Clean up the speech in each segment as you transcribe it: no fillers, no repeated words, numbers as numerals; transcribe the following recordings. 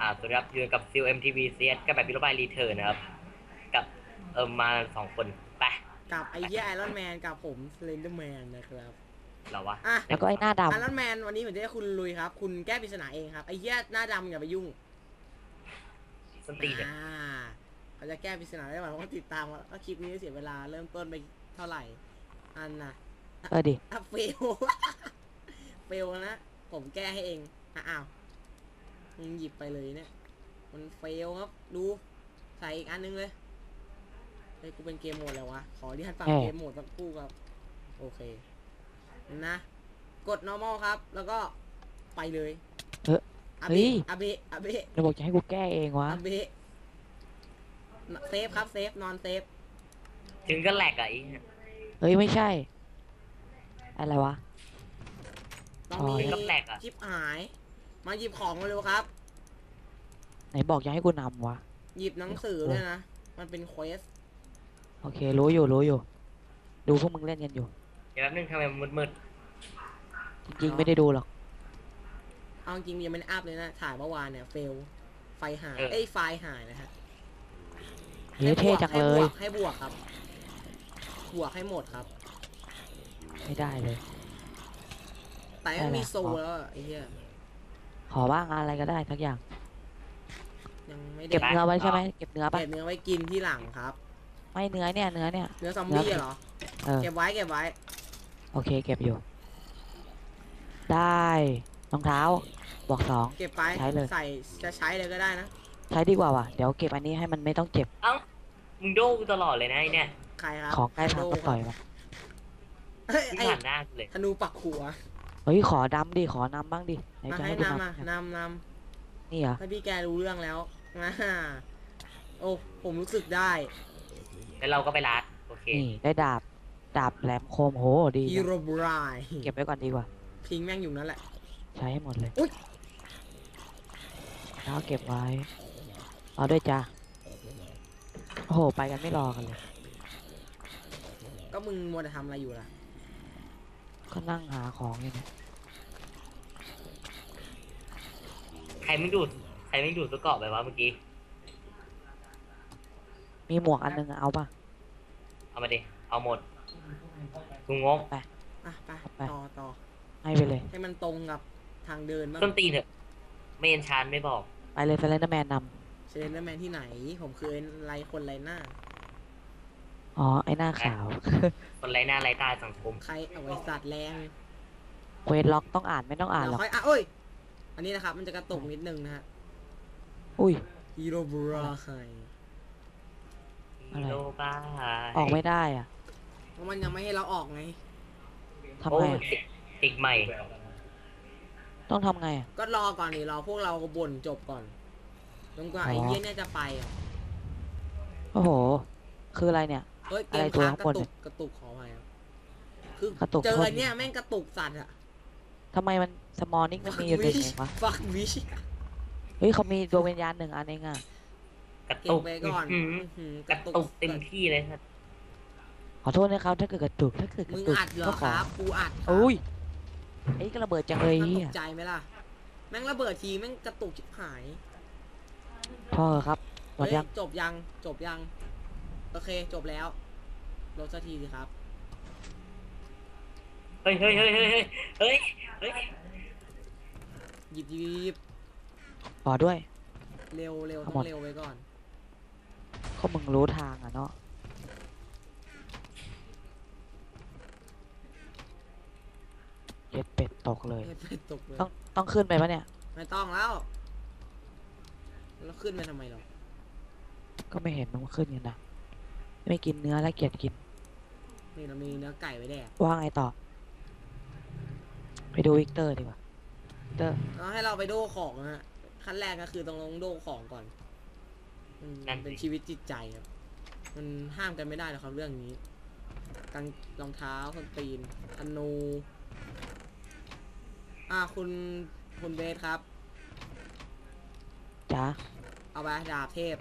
สวัสดีครับอยู่กับซิล MTV CS กับแบบพิโรบายรีเทิร์นนะครับกับมา2 คนไปกับไอ้เหี้ยไอรอนแมนกับผมสเลนเดอร์แมนนะครับเหรอวะอ่ะแล้วก็ไอ้หน้าดไอรอนแมนวันนี้ผมจะให้คุณลุยครับคุณแก้ปริศนาเองครับไอ้เหี้ยหน้าดำอย่าไปยุ่งส้นตีนเนี่ยเขาจะแก้ปริศนาได้ไหมว่าติดตามว่าคลิปนี้เสียเวลาเริ่มต้นไปเท่าไหร่อันน่ะดิเฟลเฟลนะผมแก้ให้เองอ้าวมึงหยิบไปเลยเนี่ยมันเฟลครับดูใส่อีกอันนึงเลยเฮ้ยกูเป็นเกมโหมดแล้ววะขอที่ท่านฟังเกมโหมดสักครู่ครับโอเคนะกด normal ครับแล้วก็ไปเลยอาเบะอาเบะอาเบะเราบอกจะให้กูแก้เองวะอาเบะเซฟครับเซฟนอนเซฟถึงก็แหลกอ่ะเฮ้ยไม่ใช่อะไรวะต้องมีชิปหายมาหยิบของมาเร็วครับไหนบอกจะให้กูนำวะหยิบหนังสือด้วยนะมันเป็นเควสโอเครู้อยู่ดูพวกมึงเล่นกันอยู่เดี๋ยวแป๊บนึงทำไมมันมืดจริงๆไม่ได้ดูหรอกเอาจริงยังไม่ได้อัพเลยนะถ่ายเมื่อวานเนี่ยเฟลไฟหายไฟล์หายนะฮะเฮ้ยเท่จังเลยให้บวกครับบวกให้หมดครับไม่ได้เลยแต่ไม่มีโซแล้วไอ้เหี้ยขอบ้างอะไรก็ได้ทักอย่างยังไม่เก็บเนื้อไว้ใช่ไหมเก็บเนื้อปะเก็บเนื้อไว้กินที่หลังครับไม่เนื้อเนี่ยเนื้อซอมบี้เหรอเก็บไว้โอเคเก็บอยู่ได้รองเท้าบอก2 เก็บไปใช้เลยใส่จะใช้เลยก็ได้นะใช้ดีกว่าว่ะเดี๋ยวเก็บอันนี้ให้มันไม่ต้องเจ็บเอ้ามึงโดกูตลอดเลยนะไอเนี่ยใครครับของใกล้พังก็ปล่อยมันไอ้ผ่านหน้าเลยธนูปักหัวเฮ้ยขอดำดิขอนำบ้างดิมาให้นำนี่เหรอถ้าพี่แกรู้เรื่องแล้วโอ้ผมรู้สึกได้แล้วเราก็ไปรัดโอเคนี่ได้ดาบแหลมคมโหดีฮีโร่บรายเก็บไว้ก่อนดีกว่าพิงแม่งอยู่นั่นแหละใช้ให้หมดเลยแล้วเก็บไว้เอาด้วยจ้าโอ้โหไปกันไม่รอกันเลยก็มึงมัวแต่ทำอะไรอยู่ล่ะก็นั่งหาของอยู่เนี่ยใครไม่ดูดตัวเกาะไปวะเมื่อกี้มีหมวกอันนึงเอาป่ะเอามาดิเอาหมดกูงงไปต่อให้ไปเลยให้มันตรงกับทางเดินบ้างต้นตีนเถอะไม่เอ็นชานไม่บอกไปเลยเซเลนเดอร์แมนนำเซเลนเดอร์แมนที่ไหนผมคือคนไรหน้าอ๋อไอหน้าขาวคนไรหน้าไรตาสังคมใครเอาไว้สัตว์แรงเควสล็อกต้องอ่านไม่ต้องอ่านหรอกโอ้ยอันนี้นะครับมันจะกระตุกนิดนึงนะฮะอุ้ยฮีโร่บราไฮฮีโร่บ้าออกไม่ได้อ่ะเพราะมันยังไม่ให้เราออกไงทำไงติดใหม่ต้องทำไงก็รอก่อนดิรอพวกเราบ่นจบก่อนจนกว่าไอ้เหี้ยเนี่ยจะไปโอ้โหคืออะไรเนี่ยเกมค้างกระตุกขอไปคือกระตุกเจอเนี่ยแม่งกระตุกสัตว์อะทำไมมันสมอลนิกมันมีอยู่ตัวเองวะฟักวิชเฮ้ยเขามีดวงวิญญาณ1 อันเองอะกระตุกไปก่อนกระตุกเต็มที่เลยครับขอโทษนะครับถ้าเกิดกระตุกมึงอัดเหรอครับกูอัดอุ้ยไอ้ก็ระเบิดจังเลยตกใจไหมล่ะแม่งระเบิดทีแม่งกระตุกชิบหายพ่อครับหมดยังจบยังโอเคจบแล้วลดสักทีสิครับเฮ้ยหยิบขอด้วยเร็วต้องเร็วไว้ก่อนเขามึงรู้ทางอ่ะเนาะเย็ดเป็ดตกเลยต้องขึ้นไปปะเนี่ยไม่ต้องแล้วขึ้นไปทำไมหรอก็ไม่เห็นมันขึ้นกันนะไม่กินเนื้อแล้วเกลียดกินนี่เรามีเนื้อไก่ไว้แดกว่าไงต่อไปดูวิกเตอร์ดีกว่าเแล้วให้เราไปโดของนะขั้นแรกก็คือต้องลงโดของก่อนมันเป็นชีวิตจิตใจครับมันห้ามกันไม่ได้หรอกครับเรื่องนี้กางรองเท้าคนตีนธนูคุณเบสครับจ้าเอาไปดาบเทพ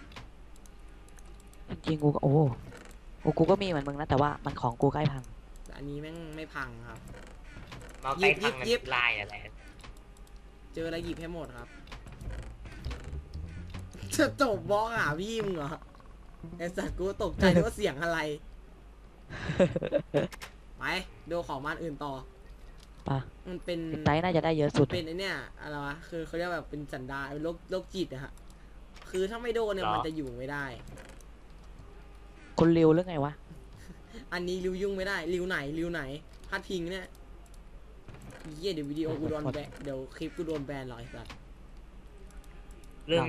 จริงๆกูก็กูก็มีเหมือนมึงนะแต่ว่ามันของกูใกล้พังอันนี้แม่งไม่พังครับยิบลายอะไรเจออะไรหยิบให้หมดครับจะจบบล็อกหาพี่มึงเหรอไอ้สัตว์กูตกใจนึกว่าเสียงอะไร ไปดูของบ้านอื่นต่อปะมันเป็นไตน่าจะได้เยอะสุดเป็นไอเนี่ยอะไรวะคือเขาเรียกแบบเป็นสันดานเป็นโรคจิตอะฮะคือถ้าไม่โดนเนี่ยมันจะอยู่ไม่ได้คนเร็วหรือไงวะอันนี้ริวยุ่งไม่ได้ริวไหนพลาดพิงเนี่ยเยี่ยเดี๋ยววิดีโอกูโดนแบนเดี๋ยวคลิปกูโดนแบนหรอไอ้สัสเรื่อง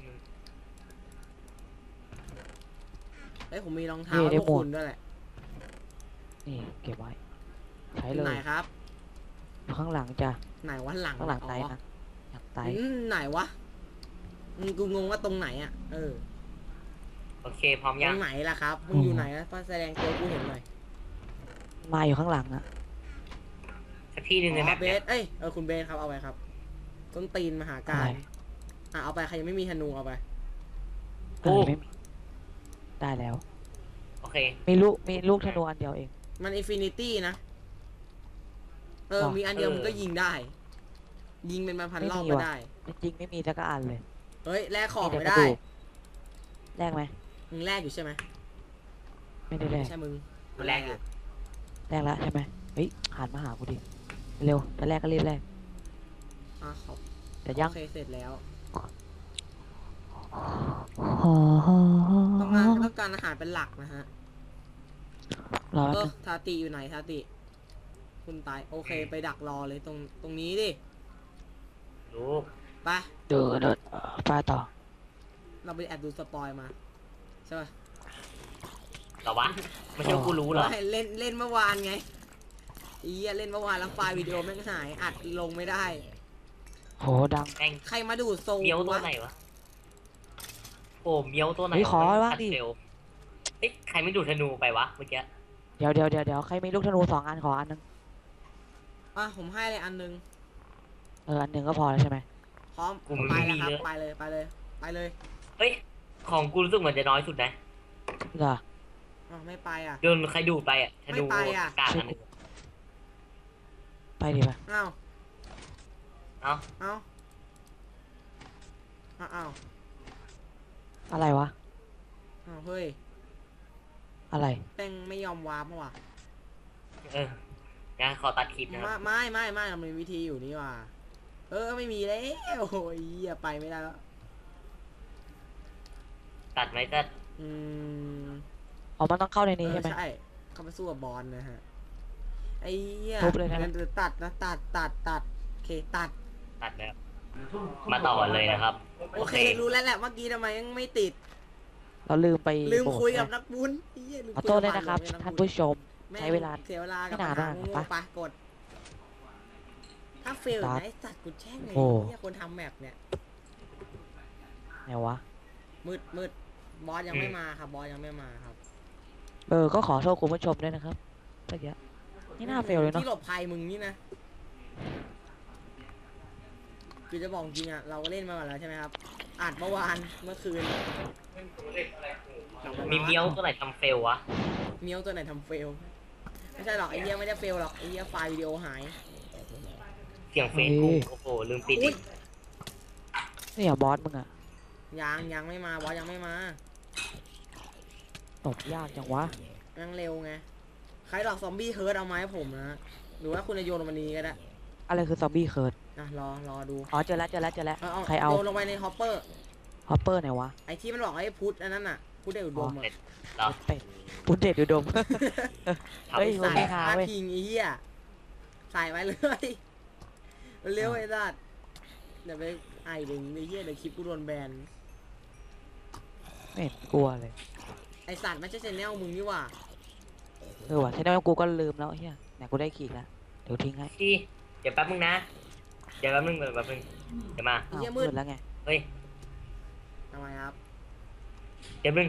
เฮ้ยผมมีรองเท้าให้พวกคุณด้วยแหละนี่เก็บไว้ ใช้เลไหนยครับอยู่ข้างหลังจ้ะไหนวะหลังข้างหลังไตอ๋อนะหลังไตไหนวะกูงงว่าตรงไหนอ่ะโอเคพร้อมตยัรง งไหนล่ะครับมึงอยู่ไหนนะแสดงตัวกูเห็นหน่อยมาอยู่ข้างหลังอะสักที่หนึ่งในอ๋แมอปเบเนี่ยสคุณเบสครับเอาไปครับต้นตีนมหาอะการไรเอาไปใครยังไม่มีธนูเอาไปไม่มีได้แล้วโอเคมีลูกธนูอันเดียวเองมันอินฟินิตี้นะมีอันเดียวมึงก็ยิงได้ ยิงเป็นพันรอบก็ได้จริงๆไม่มีสักอันเลยเฮ้ยแลกของมีไม่แต่กระได้ดูก แลกไหมมึงแลกอยู่ใช่ไหมไม่ได้แลกใช่มึงแลกอยู่แลกแล้วใช่ไหมเฮ้ยหันมาหากูดิเร็วจะแลกก็รีบแลกขอบแต่ยังโอเคเสร็จแล้วอ๋อต้องการอาหารเป็นหลักนะฮะรอแป๊บนึงทาติอยู่ไหนทาติ คุณตายโอเคไปดักรอเลยตรงนี้ดิลูกไปเดินไปต่อเราไปแอบดูสปอยมาใช่ป่ะเหรอวะไม่ใช่ว่ากูรู้เหรอไม่เล่นเมื่อวานไงเล่นเมื่อวานแล้วไฟล์วิดีโอแม่งหายอัดลงไม่ได้โหดังแม่งใครมาดูดโซเมียวตัววะไหนวะโอ้เมียวตัวไหนเฮ้ยขอว่าดิเร็วเฮ้ยใครไม่ดูดธนูไปวะเมื่อกี้เดี๋ยวใครมีลูกธนู2 อันขออันนึงผมให้เลยอันนึงอันหนึ่งก็พอแล้วใช่ไหมพร้อมไปแล้วครับไปเลยเฮ้ยของกูรู้สึกเหมือนจะน้อยสุดนะเหรอไม่ไปอ่ะโดนใครดูดไปอ่ะธนูไม่ไปอะกาดอันหนึงไปดิปะอ้าวเอ้าอ้าวอะไรวะเฮ้ยอะไรแป้งไม่ยอมวาร์ปว่ะงั้นขอตัดคลิปนะครับไม่มันมีวิธีอยู่นี่ว่ะไม่มีแล้วโอ้ยไปไม่ได้แล้วตัดไหมตัดอ๋อมันต้องเข้าในนี้ใช่ไหมใช่เข้าไปสู้กับบอลนะฮะไอ้เหี้ยทุบเลยนะงั้นตัดนะตัดโอเคตัดตัดแล้วมาต่อเลยนะครับโอเครู้แล้วแหละเมื่อกี้ทำไมยังไม่ติดเราลืมไปลืมโบสถ์คุยกับนะนักบุญไอ้เหี้ยลืมขอคุยโทษกัด้วยนะครับบท่านผู้ชมแม่งใช้เวลาเสียเวลากับไม่นานปัญหมากโง่ปะๆไปกด ถ้าเฟลตัดนะไอ้สัตว์กูแช่งเลยโอ้เนี่ยคนทำแมปเนี่ยไหนวะมืดบอสยังไม่มาครับบอสยังไม่มาครับก็ขอโทษคุณผู้ชมด้วยนะครับเมื่อกี้นี่น่าเฟลเลยเนาะที่หลบภัยมึงนี่นะคือจะบอกจริงอ่ะเราก็เล่นมาก่อนแล้วใช่ไหมครับอัดเมื่อวานเมื่อคืนมีเมียวตัวไหนทำเฟลวะเมียวตัวไหนทำเฟลไม่ใช่หรอกไอ้เหี้ยไม่ได้เฟลหรอกไอ้เหี้ยไฟล์วิดีโอหายเสียงเฟซกูโอ้โหลืมปิดอุ๊อียกนี่อย่าบอสมึงอะยังไม่มาบอสยังไม่มาตบยากจังวะยังเร็วไงใครหลอกซอมบี้เฮิร์ตเอามาให้ผมนะหรือว่าคุณจะโยนลงมานี้ก็ได้อะไรคือซอมบี้เคิร์ดนะรอดูอ๋อเจอแล้วใครเอาโยนลงไปในฮอปเปอร์ฮอปเปอร์ไหนวะไอ้ที่มันบอกให้พุทธอันนั้นน่ะพุทธเดอุดมอ่ะเหรอเป็ดปุ้นเด็ดอุดม เฮ้ยใส่ไม่หาพาเว้ยพิงไอ้เหี้ยใส่ไว้เลยเร็วไอ้สัตว์เดี๋ยวไปไอ้ดึงไอ้เหี้ยเดี๋ยวคลิปกูโดนแบนไม่เห็นกลัวเลยไอ้สัตว์ไม่ใช่ชแนลมึงนี่หว่าว่ะใช่ไหมกูก็ลืมแล้วเฮียไหนกูได้ขีดแล้วเดี๋ยวทิ้งให้ที่เดี๋ยวแป๊บนึงนะเดี๋ยวแป๊บนึงเดี๋ยวมาอ้าวมืดแล้วไงเฮ้ยทำไมครับเดี๋ยวนึง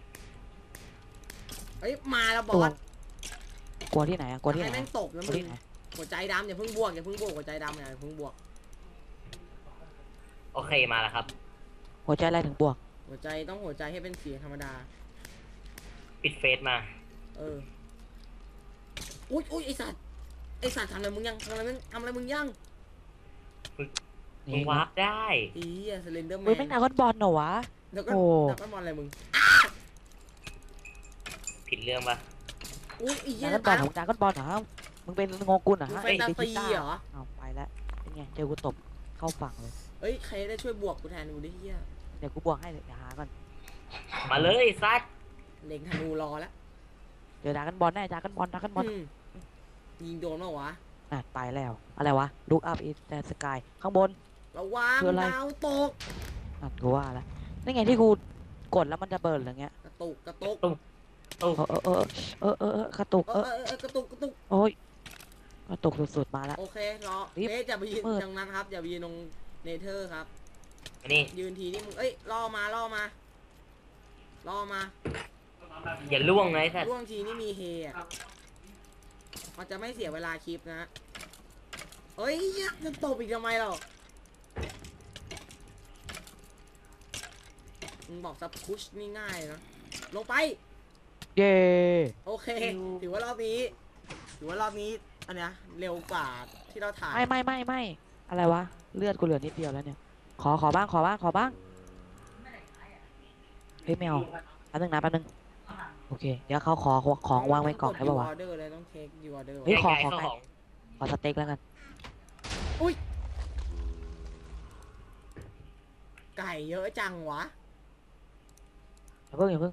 เอ้ยมาแล้วบกลัอวสกลัวที่ไหนอะกลัวที่ไหนให้แม่งตบนะกลัวมึที่งไหนหัวใจดำอย่าเพิ่งบวกหัวใจดำอย่าเพิ่งบวกโอเคมาแล้วครับหัวใจอะไรถึงบวกหัวใจต้องหัวใจให้เป็นเสียงธรรมดาปิดเฟซมาอุ้ยไอสัตว์ทำอะไรมึงยังทำอะไรมึงยังมึงวาร์ปได้อีสเลนเดอร์แมเฮ้ยนแม่งดราก้อนบอลเหรอวะแล้วก็โอ้แล้วก็มอนอะไรมึงผิดเรื่องปะอุ้ยอีเหี้ดาย ก้อนบอลของดราก้อนบอลเหรอมึงเป็นโงกุลเหรอมึงฮะแฟนตาซีเหรอเอาไปแล้วเป็นไงเจอกูตบเข้าฝั่งเลยเอ้ยใครได้ช่วยบวกกูแทนกูดิเหี้ยเดี๋ยวกูบวกให้เลยเดี๋ยวหาก่อนมาเลยซัดเล็งธนูรอแล้วเดี๋ยวดราก้อนบอลแน่ดราก้อนบอลดราก้อนบอลอืมยิงโดนเปล่าวะอ่ะไปแล้วอะไรวะ look up in the sky ข้างบนระวังคืออะไรดาวตกอ่ะกูว่าแล้วนี่ไงที่กูกดแล้วมันจะเบิร์นอะไรเงี้ยกระตุกกระตุกโอ้กระตุกกระตุกกระตุกโอ้ยกระตุกสุดๆมาแล้วโอเครอรีบเบสอย่าไปยืนมืดตรงนั้นครับอย่าไปยืนตรงเนเธอร์ครับอันนี้ยืนทีนี่มึงเอ้ยล่อมาล่อมาล่อมาอย่าล่วงนะไอ้สัตว์ร่วงทีนี่มีเฮอะมันจะไม่เสียเวลาคลิปนะเอ้ยจะตบอีกทำไมเรามึงบอกซับพุชนี่ง่ายนะลงไปเย้โอเค ถือว่ารอบนี้อันเนี้ยเร็วกว่าที่เราถ่ายไม่อะไรวะเลือดกูเหลือนิดเดียวแล้วเนี่ยขอบ้างเฮ้ยไม่เอาแป๊บนึงโอเคเดี๋ยวเขาขอของวางไว้ก่อนได้ป่าวะออเดอร์เลยต้องเทคยูออเดอร์เฮ้ยขอไก่เข้าของขอสเต็กแล้วกันไก่เยอะจังวะอย่าเพิ่ง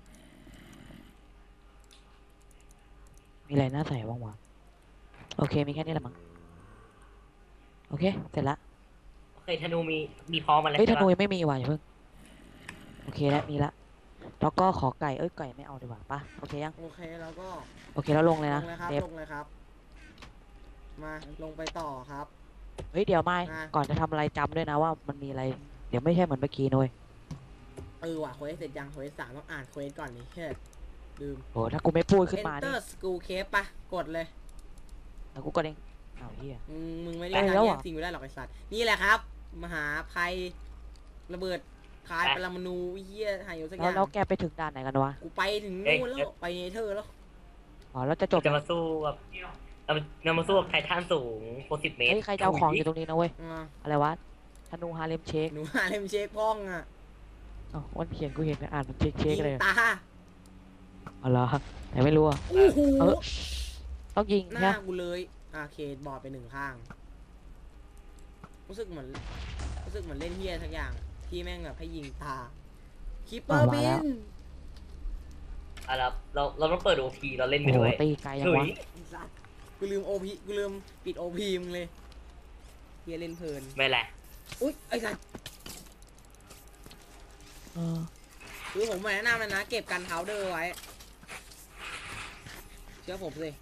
มีอะไรน่าใส่บ้างวะโอเคมีแค่นี้แหละมั้งโอเคเสร็จละโอเคธนูมีพร้อมมาแล้วเฮ้ยธใช่นูปะยังไม่มีว่ะอย่าเพิ่งโอเคแล้วมีละแล้วก็ขอไก่ไก่ไม่เอาดีกว่าปะโอเคยังโอเคแล้วก็โอเคแล้วลงเลยลนะงเลยครับเดฟลงเลยครับ มาลงไปต่อครับเฮ้ยเดี๋ยวไม่อ่ะก่อนจะทำอะไรจำด้วยนะว่ามันมีอะไรเดี๋ยวไม่ใช่เหมือนเมื่อกี้นุ้ยว่ะเควสเสร็จยังเควส3ต้องอ่านเควสก่อนนี่เฮ้ยลืมโอ้ถ้ากูไม่พูดขึ้นมานี่ Enter School Cave ปะกดเลยแล้วกูก็เด้งอ้าวเฮียมึงไม่ได้ไปทำแล้วแยเหรอกสิ่งอยู่ได้หรอกไอสัตว์นี่แหละครับ มหาภัยระเบิดคายปรมาณูเฮียหายอยู่สักอแล้วย่างแล้วแกไปถึงด่านไหนกันวะกูไปถึงนู่นแล้วไปเนเธอร์แล้วอ๋อแล้วจะจบจะมาสู้กับเรามาสู้กับไททันสูง60 เมตรเฮ้ยใครจะเอาของอยู่ตรงนี้นะเว้ยอ่าอะไรวะธนูฮาเลมเชคหนูหาเลมเช็คพ้องอ่ะอ๋อวันเขียนกูเห็นอ่านมันเชคเชคยิงเลยตาอ๋อเหรอแต่ไม่รู้อ่ะโอ้โหเออ ต้องยิงหน้านะกูเลยเคบอดไป1ข้างรู้สึกเหมือนเล่นเฮียทักอย่างที่แม่งแบบให้ยิงตาคิปเปอร์บินอ่ะเราต้องเปิด OP เราเล่นไปโอ้โหด้วยตีไกลยังถุวะยสัตว์กูลืมปิดโอพีมึงเลยเฮียเล่นเพลินไม่แหละอุ๊ยไอ้สัตว์เออคือผมแนะนำเลยนะเก็บกันเท้าเดอร์ไว้เชื่อผมสิ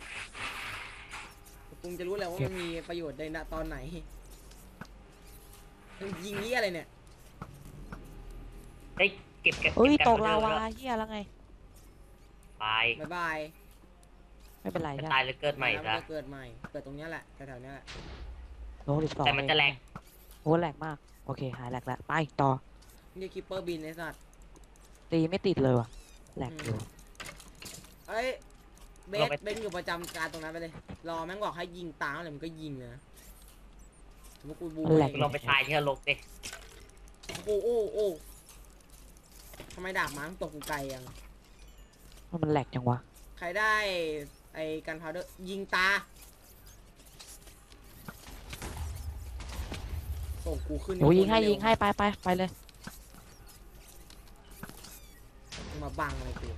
คุณจะรู้แล้วว่ามันมีประโยชน์ในตอนไหนยิงนี่อะไรเนี่ยได้เก็บเฮ้ยกันตกลาเดิมวาแล้เฮียแล้วไงตายบ๊ายบายไม่เป็นไรจะใช่ตายแล้วเกิดใหม่แล้วซะนจะเกิดใหม่เกิดตรงเนี้ยแหละแถวๆเนี้ยแหละโน้ต12 แต่มันจะแหลกโอ้แหลกมากโอเคหายแหลกแล้วไปต่อนี่คิปเปอร์บินไอ้สัตว์ตีไม่ติดเลยว่ะแหลกอยู่เอ้ยเบสอยู่ประจำการตรงนั้นไปเลยรอแม่งบอกให้ยิงตามอะไรมันก็ยิงนะสมมติกูบูมันแหลกลองไปตายที่นรกดิโอ้ทำไมดาบม้าตกกูไกลยังมันแหลกจังวะใครได้ไอ้กันพาวเดอร์ยิงตาส่งกูขึ้นโอ้ยิงให้เร็วยิงให้ไปเลยมาบังเลยกู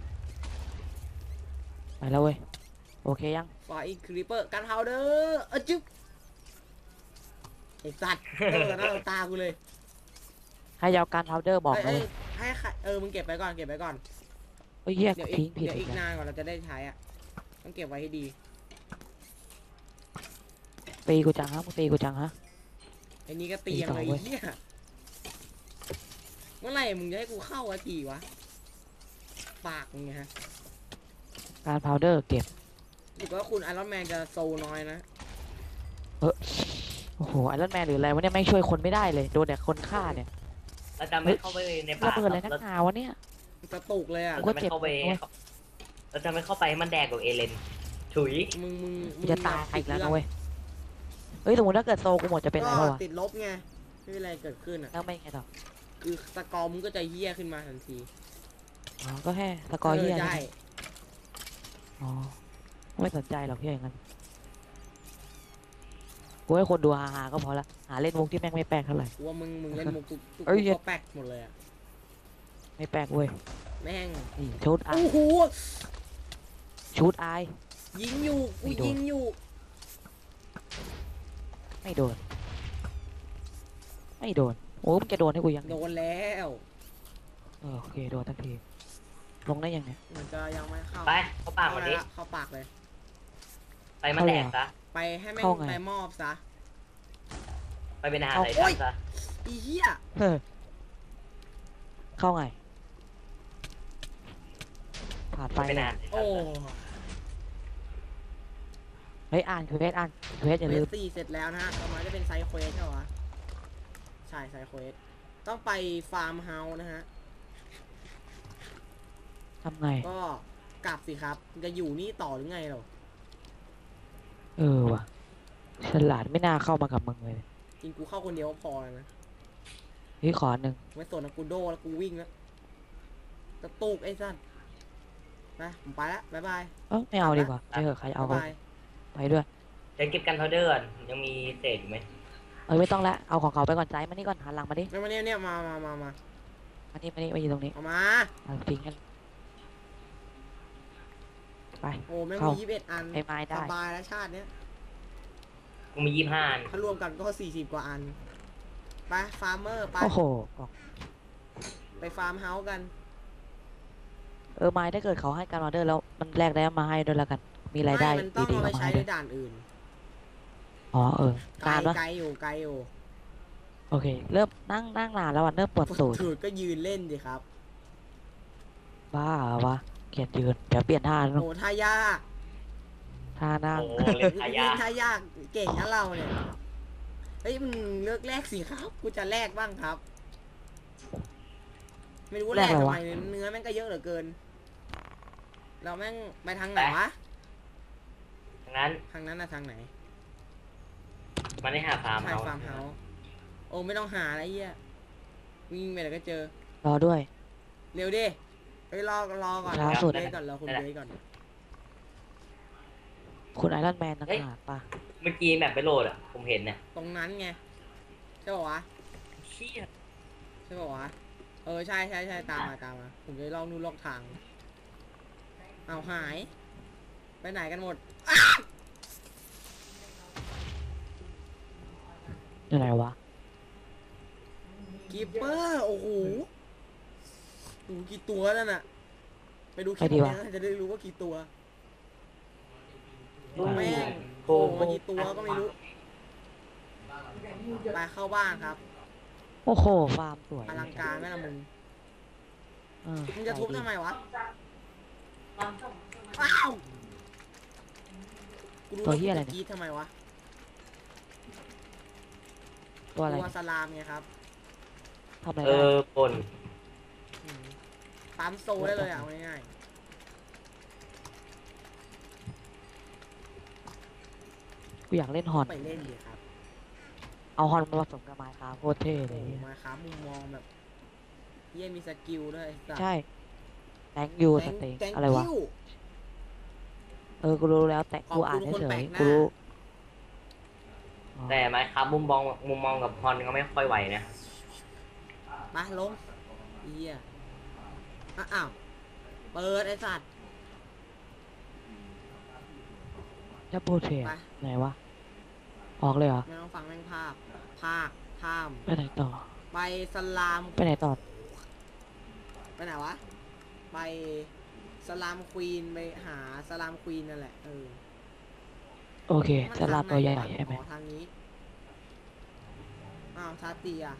ไปแล้วเว้ยโอเคยังฟาอีคริปเปอร์กันพาวเดอร์จึ๊บไอ้สัตว์หน้าตากูเลยให้ยาวการพาวเดอร์บอกเลเอ้ยยให้ใครมึงเก็บไปก่อนเก็บไปก่อนเฮ้ยเฮียเดี๋ยวทิ้งผิดเดี๋ยวอีอีกกแล้วนานกว่าเราจะได้ใช้อ่ะต้องเก็บไว้ให้ดีตีกูจังฮะมึงตีกูจังฮะไอ้นี่ก็ตียังตีต่อเลยเว้ยเฮียเมื่อไหร่มึงจะให้กูเข้าวะทีวะปากมึงไงฮะการพาวเดอร์เก็บรู้สึกว่าคุณไอรอนแมนจะโซน้อยนะโอ้โหไอรอนแมนหรืออะไรวะเนี่ยไม่งช่วยคนไม่ได้เลยโดนแต่คนฆ่าเนี่ยเราจะไม่เข้าไปในป่าระเบิดอะไรนักเราหนาวะเนี่ยกระตุกเลยอ่ะกูจะไม่เข้าไปเจ็บเราจะไม่เข้าไปให้มันแดกกับเอเลนถุยมึงกูจะตายอีกแล้วนะเว้ยเฮ้ยสมมติถ้าเกิดโซกูหมดจะเป็นอะไรก็บ้างวะติดลบไงไม่เป็นไรเกิดขึ้นอ่ะแล้วไม่ไงต่อคือสกอร์มึงก็จะเหี้ยขึ้นมาทันทีอ๋อก็แค่สกอร์เฮียได้อ๋อไม่สนใจหรอกเฮียอย่างนั้นกูให้คนดูฮาๆก็พอละหาเล่นมุกที่แม่งไม่แปลกเท่าไหร่กูว่ามึงเล่นมุกทุกเอ้ยก็แป๊กหมดเลยอะไม่แปลกเว้ยแม่งนี่ชุดอายโอ้โหชุดอายยิงอยู่กูไม่โดนยิงอยู่ไม่โดนไม่โดนโอ้มึงจะโดนให้กูยังโดนแล้วโอเคโดนทันทีลงได้ยังเนี่ยมันจะยังไม่เข้าไปเข้าปากวันนี้เข้าปากเลยไปมาแดกซะไปให้แม่งเข้าไงไปมอบซะไปเป็นอาหารเอาไทโอ้ทัยนซะอีเหี้ยเฮ้ยเข้าไงผ่านไปไปเป็นอาหารไททัโอ้นซะเฮ้ยอ่านเควสอ่านเควสอย่าเควลืสม 4เสร็จแล้วนะฮะต่อมาจะเป็นไซด์เควสใช่ปะวะใช่ไซด์เควสต้องไปฟาร์มเฮาส์นะฮะทำไงก็กลับสิครับจะอยู่นี่ต่อหรือไงเราว่ะฉลาดไม่น่าเข้ามากับมึงเลยจริงกูเข้าคนเดียวก็พอแล้วนะเฮ้ยขออันหนึ่งไม่สนนะกูโดแล้วกูวิ่งแล้วกระตุกไอ้สั้นไปผมไปแล้วบ๊ายบายไม่เอาดีกว่าไม่เถอะใครเอาบ๊ายก็บายไปด้วยเดี๋ยวเก็บกันพาวเดอร์ก่อนยังมีเศษอยู่ไหมไม่ต้องละเอาของเขาไปก่อนใจมานี่ก่อนหันหลังมาดิเนี่ยมาเนี่ยมามานี่มาอยู่ตรงนี้เอามาเอาทิ้งกันไปโอ้แม่งเข้ามี21 อันไอ้ไม้ได้สบายแล้วชาติเนี้ยกูมี25 อันถ้ารวมกันก็40 กว่าอันไปฟาร์มเมอร์ไปโอ้โหกล่องไปฟาร์มเฮาส์กันไม้ถ้าเกิดเขาให้การออเดอร์แล้วมันแลกได้มาให้ด้วยแล้วกัน มีรายได้มันต้องดีเอาๆไปเข้ามาใช้ให้ในด้วยด่านอื่นอ๋อไกลนานปะไกลอยู่ไกลอยู่โอเค เริ่มนั่งนานแล้วอ่ะเริ่มปวดตูดถือก็ยืนเล่นดิครับบ้าเหรอวะเกลียดยืนเดี๋ยวเปลี่ยนท่าแล้วโอ้ท่ายากท่านั่งโอ้เล่นขายาเล่นท่ายากเก่งนะเราเนี่ยเฮ้ยมึงเลือกแลกสิครับกูจะแลกบ้างครับ ไม่รู้ว่าแลกทำไมเนื้อแม่งก็เยอะเหลือเกิน เราแม่งไปทางไหนวะงั้นทางนั้นนะทางไหนมันได้หาฟาร์มใช่เฮาฟาร์มเฮาส์โอ้ไม่ต้องหาอะไรเหี้ยวิ่งไปแล้วก็เจอรอด้วยเร็วดิเฮ้ยรอก่อนช้าสุดเบสก่อนรอคุณเบสก่อนคุณไอรอนแมนต่างหากปะเมื่อกี้แบบไปโหลดอ่ะผมเห็นเนี่ยตรงนั้นไงใช่ป่าวะเชี่ยใช่ป่าวะใช่ตามมาผมจะลองนู่นลอกทางเอาหาย ไปไหนกันหมดอยู่ไหนวะกีเปอร์โอ้โหดูกี่ตัวนั่นน่ะไปดูคลิไปปดีนี้วะนะจะได้รู้ว่ากี่ตัวโอ้แม่งโหโอ้มากี่ตัวก็ไม่รู้ไปเข้าบ้านครับโอ้โหฟาร์มสวยอลังการไหมล่ะมึงเออมึงจะทุบใจดีทำไมวะอ้าวกูรู้ตัวว่าเหี้ยอะไรกูเนี่ยกรีดทำไมวะตัวอะไรตัวเนี่ยสลามไงครับทำอะไรได้ปนอืมปั๊มโซได้เลยอ่ะเอาง่ายกูอยากเล่นฮอนๆไปเล่นดิครับเอาฮอนมาผสมกับไมค์ครับโคตรเท่เลโอ้ยโหมาครับมุมมองแบบเยี่ยมีสกิลด้วยสัตว์ใช่แตงยูสเต็งแตงอะไรวะกิ้วกูรู้แล้วแต่ขอบกูคุณอ่านคนเฉแปลยกหๆน้ากูรู้อ๋อแต่ไหมครับมุมมองกับฮอนก็ไม่ค่อยไหวนะมาลงเยี่ยอ้าวเปิดไอ้สัตว์จะโปรเทสไปไหนวะออกเลยเหรอไม่ต้องฟังแม่งภาคข้ามไปไหนต่อไปสลามไปไหนต่อไปไหนวะ ไปสลามควีนไปหาสลามควีนนั่นแหละโอเคมันจะลาทางตัวใหไนญ่วะใช่ไหมอ๋อทางนี้อ้าวชาตีอ่ะ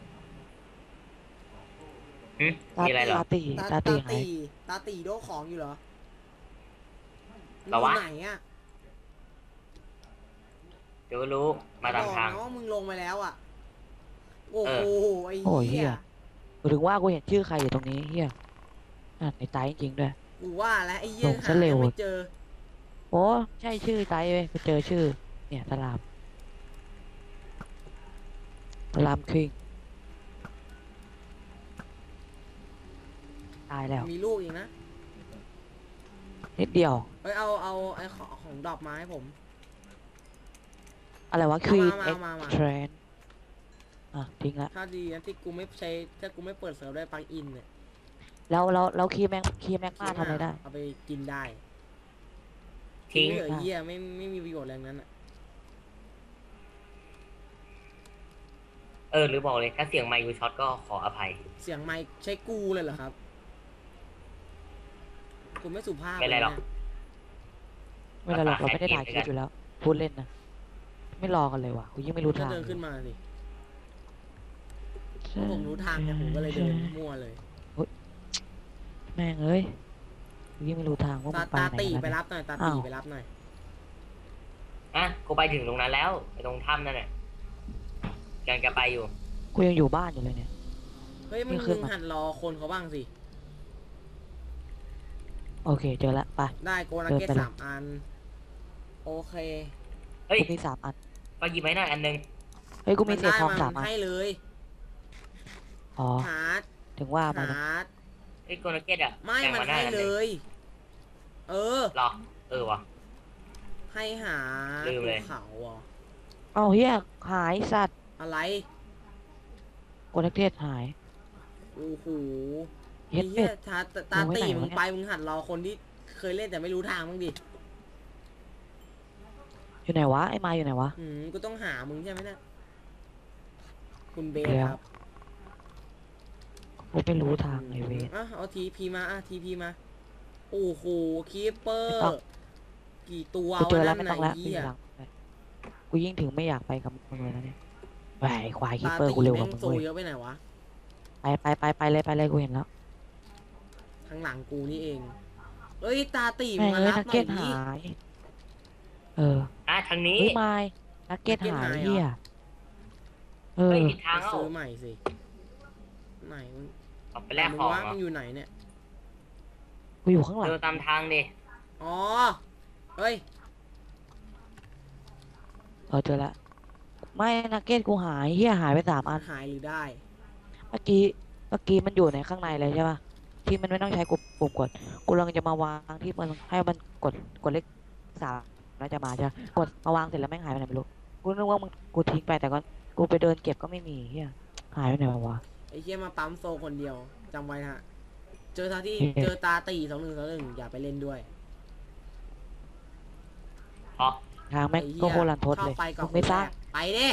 มีอะไรเหรอตาตีตาตาตีหายตาตีโดของอยู่เหรอเหรอวะมึงอยู่ไหนอ่ะเดี๋ยวก็รู้มาตามทางบอกนะว่ามึงลงไปแล้วอ่ะ โอ้โหไอ้โอ้ยเหี้เฮียยกูถึงว่ากูเห็นชื่อใครอยู่ตรงนี้เฮียอ่านในไตจริงๆด้วยกูว่าแล้วไอ้เหี้ยลงซะเร็วหาไม่เจอโอ้ใช่ชื่อไตเว้ยกูเจอชื่อ เนี่ยสลามคิงตายแล้วมีลูกอีกนะนิดเดียวเอ้ยเอาไอ้ของดอกไม้ให้ผมอะไรวะ Queen มา X มา Train อ่ะทิ้งละถ้าดีนะที่กูไม่ใช้ถ้ากูไม่เปิดเซิร์ฟได้ปลั๊กอินเนี่ยแล้วคีย์แมงมาทำอะไรได้เอาไปกินได้ทิ้งไม่เหลือเหี้ยไม่มีประโยชน์อะไรทั้งนั้นอ่ะหรือบอกเลยถ้าเสียงไมค์ยูช็อตก็ขออภัยเสียงไมค์ใช้กูเลยเหรอครับกูไม่สุภาพไม่เป็นไรหรอกเลยนะไม่เป็นไรหรอกเราไม่ได้ถ่ายคลิปอยู่แล้ว พูดเล่นนะ ไม่รอกันเลยว่ะกูยังไม่รู้ก็ทางเดินขึ้นมาสิใช่ผมรู้ทางเนี่ยผมก็เลยเดินมั่วเลยแม่งเอ้ยกูยังไม่รู้ทางว่ามึงไปตาไหนตีกันไปนะรับหน่อยตาตีอ้าวไปรับหน่อยกูไปถึงตรงนั้นแล้วไปตรงถ้ำนั่นแหละยังจะไปอยู่กูยังอยู่บ้านอยู่เลยเนี่ยเฮ้ยมึนี่งขึ้นมาหัดรอคนเขาบ้างสิโอเคเจอละไปได้โกนักเก็ตเดินไปเลย 3 อัน โอเคเฮ้ยกูมี3 อันก็หยิบไว้หน่อยอันนึงเฮ้ยกูมีเศษทองได้ 3 อันให้เลยอ๋อหาร์ดถึงว่าไปนะหาร์ดเฮ้ยโกนาเก็ตอะไม่แบ่งมันมาหน้าให้อันหเลนึ่งย เออหรอวะให้หาลืมเลยภูเขาเหรอเอาเฮียหายสัตว์อะไรโกนักเทศหายโอ้โหเฮ็ดไอ้เป็เหี้ดยตามึงไว้ตีไหนวะมึงเนี่ยไปมึงหัดรอคนที่เคยเล่นแต่ไม่รู้ทางบ้างดิอยู่ไหนวะไอ้ไม้อยู่ไหนวะกูต้องหามึงใช่ไหมเนี่ยคุณเบสเดี๋ยวครับกูไม่รู้ทางไอ้เวรอ่ะเอาทีพีมาทีพีมา โอ้โหคีปเปอไม่ต้อร์งกี่ตัวกูเจอแล้วนั่ไม่นต้องไหนแล้วเหี้ยหลังกูยิ่งถึงไม่อยากไปกับมึงเลยนะเนี่ยแหวไอ้ควายคีตาเปอร์ตีกูเร็วกแม่ว่าง มึงโซเว้ยเยอะไปไหนวะไปเลยกูเห็นแล้วข้างหลังกูนี่เอง เอ้ยตาตีแม่งมาเอ้ยรับนักหน่เก็อยตดิหาย เออทางนี้เฮ้ยไม้นักเก็ตหายเฮียเออเฮ้ยผิดทางไปแล้วซื้อใหม่สิ ไหนมึงออกไปแลกมึของว่าเหรอมึงอยู่ไหนเนี่ยกูอยู่ข้างหลังเดินตามทางดิอ๋อ เฮ้ยเจอละไม่นักเก็ตกูหายเฮียหายไป3 อันหายหรือได้เมื่อกี้มันอยู่ในข้างในเลยใช่ป่ะที่มันไม่ต้องใช้ปุ่มกดกูกำลังจะมาวางที่มันให้มันกดเลข3แล้วจะมาใช่ปะกดมาวางเสร็จแล้วแม่งหายไปไหนไม่รู้กูนึกว่ามึงกูทิ้งไปแต่ก็กูไปเดินเก็บก็ไม่มีเฮียหายไปไหนวะไอ้เหี้ยมาปั๊มโซคนเดียวจำไว้นะฮะ เจอตาที่โอเคเจอตาตี2121อย่าไปเล่นด้วยเพราะทางแม่งไอ้เหี้ก็ยโคตรลันทดเลยข้าไปก่อนมึงไม่สร้างไปดิ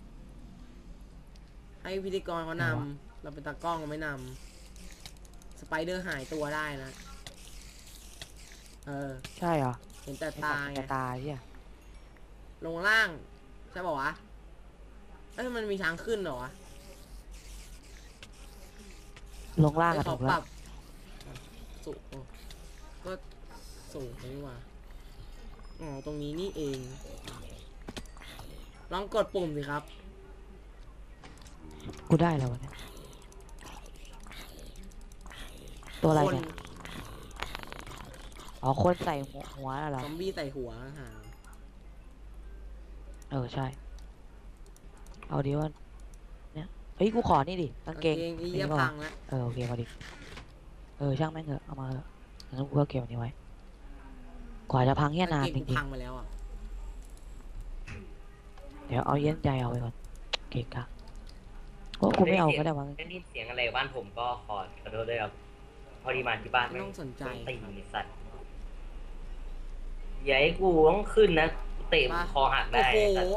ให้พิธีกรเขานำเราเป็นตากล้องเราไม่นำสไปเดอร์หายตัวได้นะ เออใช่เหรอเห็นแต่ไอ้ตาสัตว์ไงจะตายเฮียลงล่าง ใช่ป่าวะ เอ้ยมันมีทางขึ้นเหรอวะลงล่างเอ้กัยนเขาถูกปแล้รัวบสูงก็สูงนี่หว่าอ๋อตรงนี้นี่เอง ลองกดปุ่มสิครับกูได้แล้ววะเนี่ยตัวอะไรคนเนี่ยอ๋อคนใส่หัวเหรอซอมบี้ใส่หัวหาใช่ เอาดีว่าเนี่ยเฮ้ยกูขอนี่ดิกางเกงไอ้เหี้ยนี่พังแล้วโอเคมาดิช่างแม่งเถอะเอามาเถอะงั้นกูก็เก็บอันนี้ไว้กว่าจะพังเฮียนานกางจเกงกูริงพังไปแล้วอ่ะๆเดี๋ยวเอาเย็นใจเอาไปก่อนเกะกะโอ้กูไม่เอาก็ได้วะได้ยินเสียงอะไรบ้านผมก็ขอโทษด้วยครับพอดีมาที่บ้านไม่ต้องสนใจตีไอ้สัตว์อย่าให้กูต้องขึ้นนะเตะมาคอหักโอ้ได้โหไอ้สัตว์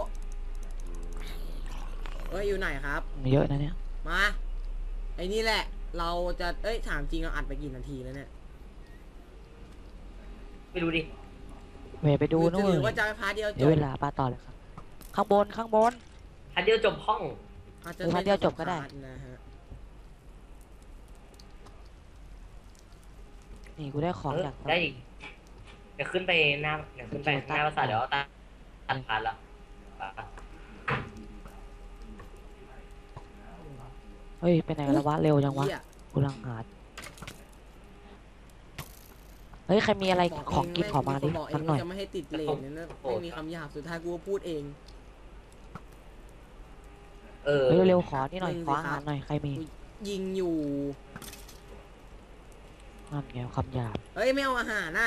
เอ้ยอยู่ไหนครับเยอะนะเนี่ยมาไอ้นี่แหละ เราจะถามจริงเราอัดไปกี่นาทีแล้วเนี่ยไม่รู้ดิเวไปดูนู่นหรือว่าจะไปพาร์ทเดียวจเดี๋ยวบเวลาป้าต่อเลยครับข้างบนทันเดียวจบห้องอาจจะหรือพาร์ทเดียวจบก็ได้พาร์ทนะฮะนี่กูได้ของจากได้อีกเดี๋ยวขึ้นไปหน้าเดี๋ยวขึ้นไปหน้าภาษาทเดี๋ยวเอาตัดผ่านละเฮ้ยไปไหนกันแล้ววะเร็วจังวะเหี้ยกูกำลังหาเฮ้ยใครมีอะไรบของกินขอมาดิบอกเอสังกหน่อยจะไม่ให้ติดเลนเนี่ยนะไม่มีคำหยาบสุดท้ายกูก็พูดเองเออเฮ้ยเร็วๆขอนี่หน่อยหนึ่งขอสิอาครัหาบรหน่อยใครมียิงอยู่นั่นไงคำหยาบเฮ้ยไม่เอาอาหารนะ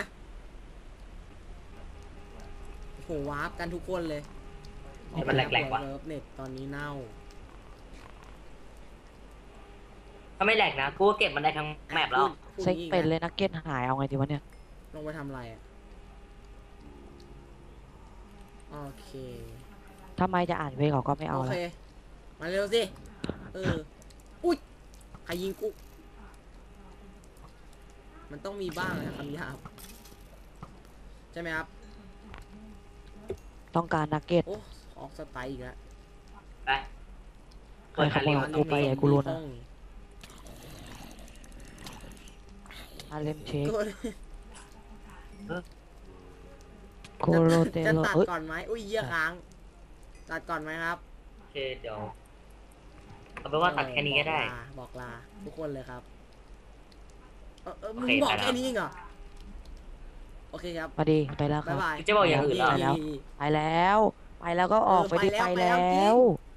โอ้โหวาร์ปกันทุกคนเลยเดี๋ยวมันแหลกๆว่ะเซิร์ฟเน็ตตอนนี้เน่าถ้าไม่แหลกนะกูก็เก็บมันได้ทั้งแมปแล้วพูดเซ็งงี้เป็นเลยนักเก็ตหายเอาไงดีวะเนี่ยลงไปทำอะไรอ่ะโอเคทำไมจะอ่านเวเขาก็ไม่เอาโอละเคมาเร็วสิอุ้ยใครยิงกูมันต้องมีบ้างนะคำหยาบใช่ไหมครับต้องการนักเก็ตโอ้ออกสไตล์อีกแล้วไปใครขโมยของกูไปใหญ่กูรู้นะอาเลมเชคกูโคโรเตจะโลตัดเอ้ยก่อนไหมอุ้ยเยี่ยค้าง ตัดก่อนไหมครับโอเคเดี๋ยวเอาเป็นว่าตัดแค่นี้ก็ได้บอกลาทุกคนเลยครับมึโอง เคบอกไปแล้วแค่นี้เองเหรอโอเคครับมาดีไปแล้วคบ๊ารัยบบายจะบอกอย่างอื่นเหรอไปแล้ว ไปแล้วก็ออกไปดิไปไปแล้วแล้ว